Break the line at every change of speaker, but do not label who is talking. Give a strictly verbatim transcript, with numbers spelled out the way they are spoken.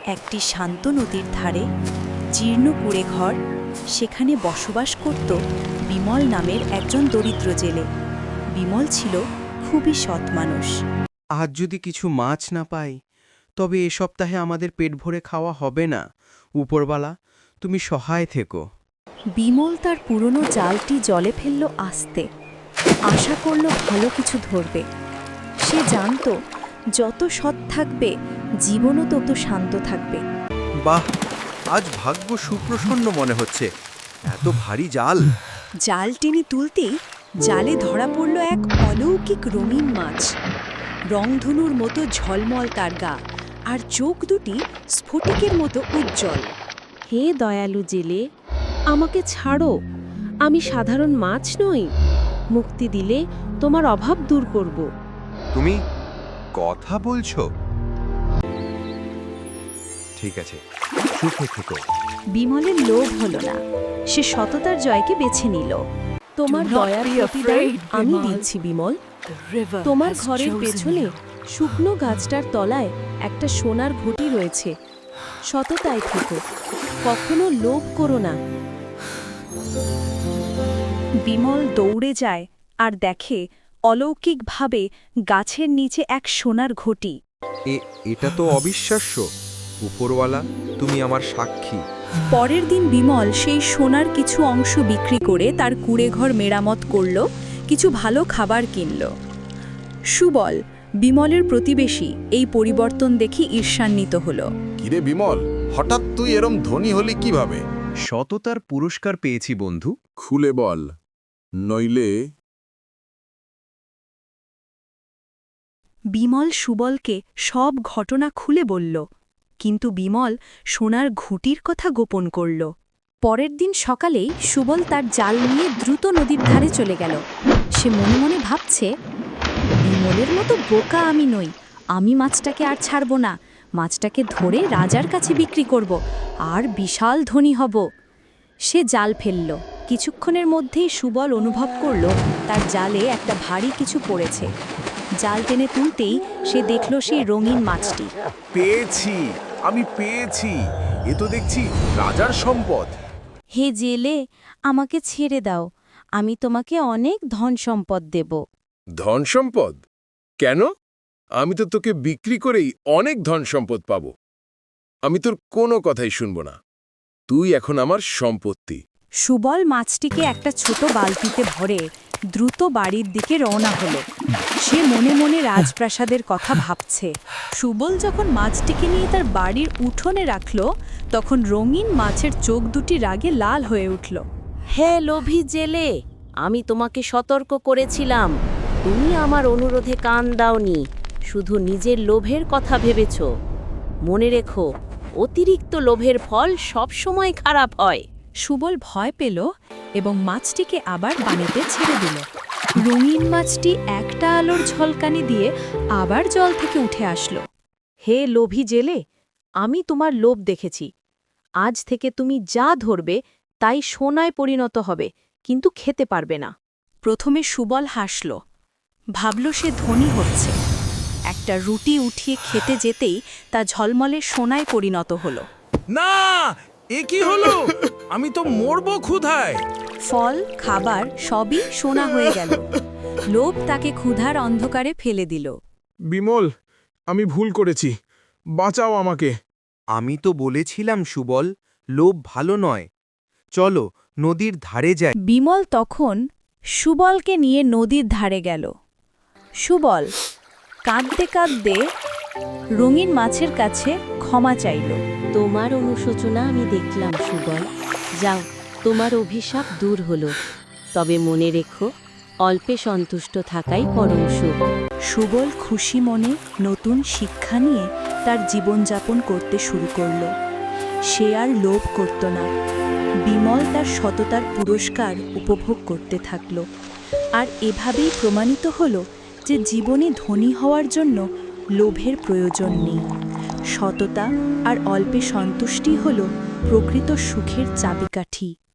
একটি শান্ত নদীর ধারে জীর্ণ কুঁড়ে ঘর, সেখানে বসবাস করত বিমল নামের একজন দরিদ্র জেলে। বিমল ছিল খুবই সৎ মানুষ।
আজ যদি কিছু মাছ না পাই, তবে এ সপ্তাহে আমাদের পেট ভরে খাওয়া হবে না। উপরবালা, তুমি সহায় থেকো।
বিমল তার পুরনো জালটি জলে ফেলল আস্তে, আশা করল ভালো কিছু ধরবে। সে জানত যত সৎ থাকবে জীবনও তত শান্ত থাকবে।
বাহ, আজ ভাগ্য সুপ্রসন্ন মনে হচ্ছে। এত ভারী জাল।
জাল টেনে তুলতেই জালে ধরা পড়ল এক অলৌকিক রঙিন মাছ। রংধনুর মতো ঝলমল তার গা, আর চোখ দুটি স্ফটিকের মতো উজ্জ্বল।
হে দয়ালু জেলে, আমাকে ছাড়ো। আমি সাধারণ মাছ নই। মুক্তি দিলে তোমার অভাব দূর করব।
তুমি কথা বলছো? ঠিক আছে, সুখে থেকো।
বিমলের লোভ হলো না, সে সততার জয়কে বেছে নিল।
তোমার দয়ার প্রতিদান আমি দিচ্ছি বিমল। তোমার ঘরের পেছনে শুকনো গাছটার তলায় একটা সোনার ঘটি রয়েছে। সততায় থেকো, কখনো লোভ করো না।
বিমল দৌড়ে যায় আর দেখে অলৌকিকভাবে গাছের নিচে এক সোনার ঘটি।
এ এটা তো অবিশ্বাস্য। উপরওয়ালা, তুমি আমার সাক্ষী।
পরের দিন বিমল সেই সোনার কিছু অংশ বিক্রি করে তার কুঁড়েঘর মেরামত করল, কিছু ভালো খাবার কিনল। সুবল, বিমলের প্রতিবেশী, এই পরিবর্তন দেখি ঈর্ষান্বিত হল।
কিরে বিমল, হঠাৎ তুই এরম ধনী হলি কিভাবে?
সততার পুরস্কার পেয়েছি বন্ধু।
খুলে বল, নইলে।
বিমল সুবলকে সব ঘটনা খুলে বলল, কিন্তু বিমল সোনার ঘুঁটির কথা গোপন করল। পরের দিন সকালেই সুবল তার জাল নিয়ে দ্রুত নদীর ধারে চলে গেল। সে মনে মনে ভাবছে, বিমলের মতো বোকা আমি নই। আমি মাছটাকে আর ছাড়ব না। মাছটাকে ধরে রাজার কাছে বিক্রি করব, আর বিশাল ধনী হব। সে জাল ফেলল। কিছুক্ষণের মধ্যেই সুবল অনুভব করল তার জালে একটা ভারী কিছু পড়েছে। জাল টেনে তুলতেই সে দেখল সেই রঙিন মাছটি।
পেয়েছি, আমি পেয়েছি। এ তো দেখছি রাজার সম্পদ।
হে জেলে, আমাকে ছেড়ে দাও। আমি তোমাকে অনেক ধন সম্পদ দেব।
ধন সম্পদ? কেন? আমি তো তোকে বিক্রি করেই অনেক ধন সম্পদ পাব। আমি তোর কোনো কথাই শুনব না। তুই এখন আমার সম্পত্তি।
সুবল মাছটিকে একটা ছোট বালতিতে ভরে দ্রুত বাড়ির দিকে রওনা হলো। সে মনে মনে রাজপ্রাসাদের কথা ভাবছে। সুবল যখন মাছটিকে নিয়ে তার বাড়ির উঠোনে রাখল, তখন রঙিন মাছের চোখ দুটি রাগে লাল হয়ে উঠল।
হে লোভী জেলে, আমি তোমাকে সতর্ক করেছিলাম। তুমি আমার অনুরোধে কান দাওনি, শুধু নিজের লোভের কথা ভেবেছ। মনে রেখো, অতিরিক্ত লোভের ফল সবসময় খারাপ হয়।
সুবল ভয় পেল এবং মাছটিকে আবার পানিতে ছেড়ে দিল। রঙিন মাছটি একটা আলোর ঝলকানি দিয়ে আবার জল থেকে উঠে আসলো।
হে লোভী জেলে, আমি তোমার লোভ দেখেছি। আজ থেকে তুমি যা ধরবে তাই সোনায় পরিণত হবে, কিন্তু খেতে পারবে না।
প্রথমে সুবল হাসল, ভাবল সে ধনী হচ্ছে। একটা রুটি উঠিয়ে খেতে যেতেই তা ঝলমলে সোনায় পরিণত হলো।
না, এ কি হলো? আমি তো মরবো ক্ষুধায়।
ফল, খাবার সবই সোনা হয়ে গেল। লোভ তাকে ক্ষুধার অন্ধকারে ফেলে দিল।
বিমল, আমি ভুল করেছি। বাঁচাও আমাকে।
আমি তো বলেছিলাম সুবল, লোভ ভালো নয়। চলো নদীর ধারে যাই।
বিমল তখন সুবলকে নিয়ে নদীর ধারে গেল। সুবল কাঁদতে কাঁদতে রঙিন মাছের কাছে ক্ষমা চাইল।
তোমার অনুশোচনা আমি দেখলাম সুবল। যাও, তোমার অভিশাপ দূর হলো। তবে মনে রেখো, অল্পে সন্তুষ্ট থাকাই পরম সুখ।
সুবল খুশি মনে নতুন শিক্ষা নিয়ে তার জীবনযাপন করতে শুরু করল। সে আর লোভ করত না। বিমল তার সততার পুরস্কার উপভোগ করতে থাকল। আর এভাবেই প্রমাণিত হল যে জীবনে ধনী হওয়ার জন্য লোভের প্রয়োজন নেই। সততা আর অল্পে সন্তুষ্টি হল প্রকৃত সুখের চাবিকাঠি।